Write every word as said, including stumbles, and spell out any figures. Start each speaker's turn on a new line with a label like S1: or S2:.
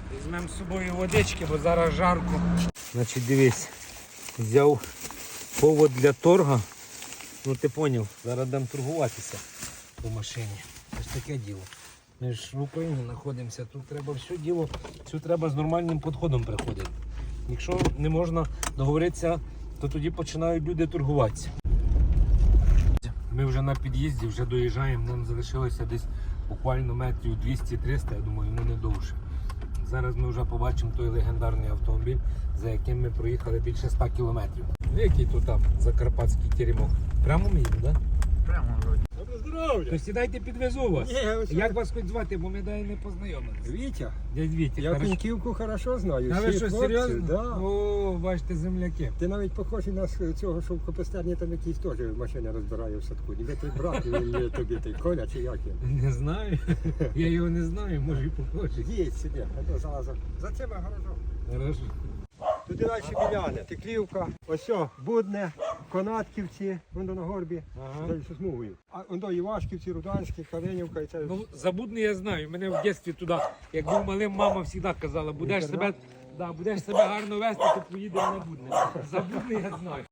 S1: Візьмемо з собою водички, бо зараз жарко. Значить, дивись, взяв повод для торга. Ну ти зрозумів, зараз будемо торгуватися по машині. Ось таке діло. Ми ж в Україні знаходимося, тут треба все діло, все треба з нормальним підходом приходити. Якщо не можна договоритися, то тоді починають люди торгуватися. Ми вже на під'їзді, вже доїжджаємо, нам залишилося десь буквально метрів двісті-триста, я думаю, ну не довше. Зараз ми вже побачимо той легендарний автомобіль, за яким ми проїхали більше ста кілометрів. Який тут там закарпатський теремок? Прямо ми їдемо, так? Да?
S2: Прямо вроді.
S3: Добре здоров'я!
S1: То сідайте, підвезу вас.
S3: Ні, ось
S1: Як вас хоч звати, бо ми дай не познайомилися.
S3: Вітя,
S1: Дядь Вітя,
S3: я
S1: хорошо.
S3: Пеньківку хорошо знаю.
S1: А ви
S3: всі
S1: що,
S3: хлопці,
S1: серйозно?
S3: Да.
S1: О, бачите, земляки.
S3: Ти навіть похожий на с- цього, що в Копистерні там якийсь теж машина розбирає в садку. Ніби ти брат, він є тобі той Коля чи як він.
S1: Не знаю. Я його не знаю, може і похожий.
S3: Є сюди, а то залазив. За цим гаражом.
S1: Хорошо.
S3: Туди далі біляне, Теклівка, ось о, Будне, Конатківці, воно на горбі,
S1: Ага.
S3: далі смугою. А воно Івашківці, Руданські, Калинівка і це.
S1: Ну, Забудний я знаю. Мене в дитинстві туди, як був малим, мама завжди казала, будеш себе, да, будеш себе гарно вести, то поїдемо на Будне. Забудний я знаю.